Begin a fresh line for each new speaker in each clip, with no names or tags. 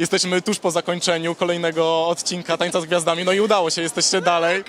Jesteśmy tuż po zakończeniu kolejnego odcinka Tańca z Gwiazdami, no i udało się, jesteście dalej.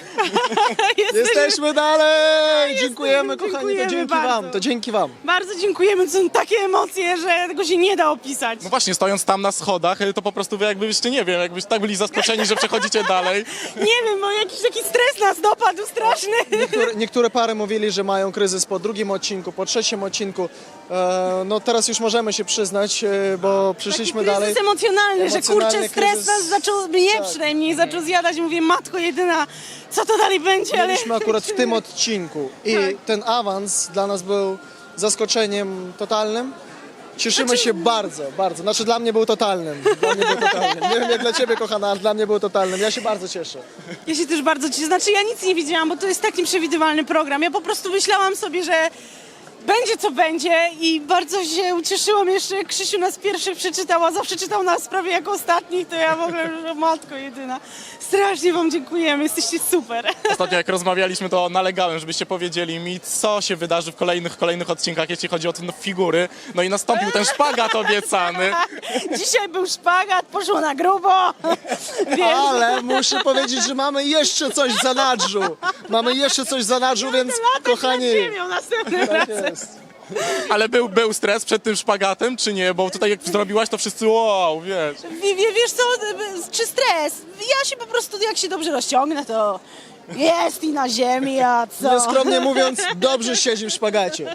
Jesteśmy dalej! Dziękujemy, kochani, to
dziękujemy
dzięki
bardzo.
wam, to dzięki wam.
Bardzo dziękujemy, to są takie emocje, że tego się nie da opisać.
No właśnie, stojąc tam na schodach, to po prostu wy jakbyście, nie wiem, jakbyście tak byli zaskoczeni, że przechodzicie dalej.
Nie wiem, bo jakiś taki stres nas dopadł straszny.
Niektóre pary mówili, że mają kryzys po drugim odcinku, po trzecim odcinku. No teraz już możemy się przyznać, bo przyszliśmy
Taki
dalej.
kryzys emocjonalny, że kurczę,
Emocjonalny
stres
kryzys.
nas zaczął, mnie
Tak.
przynajmniej zaczął zjadać. Mówię, matko jedyna, co to dalej będzie, ale...
Byliśmy akurat w tym odcinku i
Tak.
ten awans dla nas był zaskoczeniem totalnym. Cieszymy się bardzo, bardzo. Znaczy dla mnie był totalnym. Dla mnie był totalnym. Nie wiem jak dla ciebie, kochana, ale dla mnie był totalnym. Ja się bardzo cieszę.
Ja się też bardzo cieszę. Znaczy ja nic nie wiedziałam, bo to jest tak nieprzewidywalny program. Ja po prostu myślałam sobie, że będzie co będzie i bardzo się ucieszyłam jeszcze. Krzysiu nas pierwszy przeczytał, a zawsze czytał nas prawie jako ostatnich, to ja w ogóle, że matko jedyna. Strasznie wam dziękujemy, jesteście super.
Ostatnio jak rozmawialiśmy, to nalegałem, żebyście powiedzieli mi, co się wydarzy w kolejnych odcinkach, jeśli chodzi o te figury. No i nastąpił ten szpagat obiecany.
Dzisiaj był szpagat, poszło na grubo. Wiesz,
Ale muszę powiedzieć, że mamy jeszcze coś w zanadrzu. Mamy jeszcze coś w zanadrzu, więc
latać
kochani...
nad ziemią następnym
Tak
razem.
jest.
Ale był stres przed tym szpagatem, czy nie? Bo tutaj jak zrobiłaś, to wszyscy wow, wiesz.
Wiesz co, czy stres? Ja się po prostu, jak się dobrze rozciągnę, to jest i na ziemi, a co?
Nieskromnie mówiąc, dobrze siedzi w szpagacie.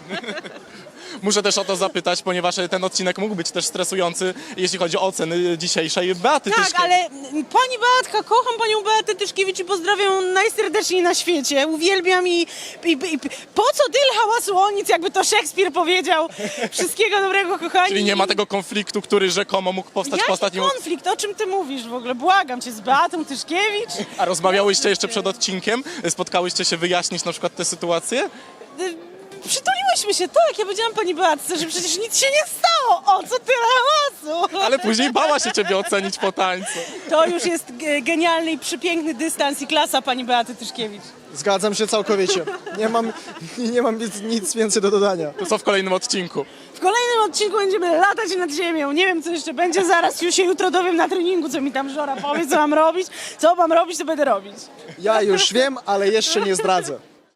Muszę też o to zapytać, ponieważ ten odcinek mógł być też stresujący, jeśli chodzi o oceny dzisiejszej Beaty
Tak,
Tyszkiewicz.
ale pani Beatka, kocham panią Beatę Tyszkiewicz i pozdrawiam najserdeczniej na świecie. Uwielbiam i po co tyle hałasu o nic, jakby to Szekspir powiedział. Wszystkiego dobrego, kochani.
Czyli nie ma tego konfliktu, który rzekomo mógł powstać po
Jaki
ostatnim...
konflikt? O czym ty mówisz w ogóle? Błagam cię, z Beatą Tyszkiewicz?
A rozmawiałyście jeszcze przed odcinkiem? Spotkałyście się wyjaśnić na przykład tę sytuację?
Przytuliłyśmy się, tak, ja powiedziałam pani Beatce, że przecież nic się nie stało. O co tyle hałasu?
Ale później bała się ciebie ocenić po tańcu.
To już jest genialny i przepiękny dystans i klasa pani Beaty Tyszkiewicz.
Zgadzam się całkowicie. Nie mam nic więcej do dodania.
To co w kolejnym odcinku?
W kolejnym odcinku będziemy latać nad ziemią. Nie wiem, co jeszcze będzie. Zaraz już się jutro dowiem na treningu, co mi tam Żora powie, co mam robić. Co mam robić, to będę robić.
Ja już wiem, ale jeszcze nie zdradzę.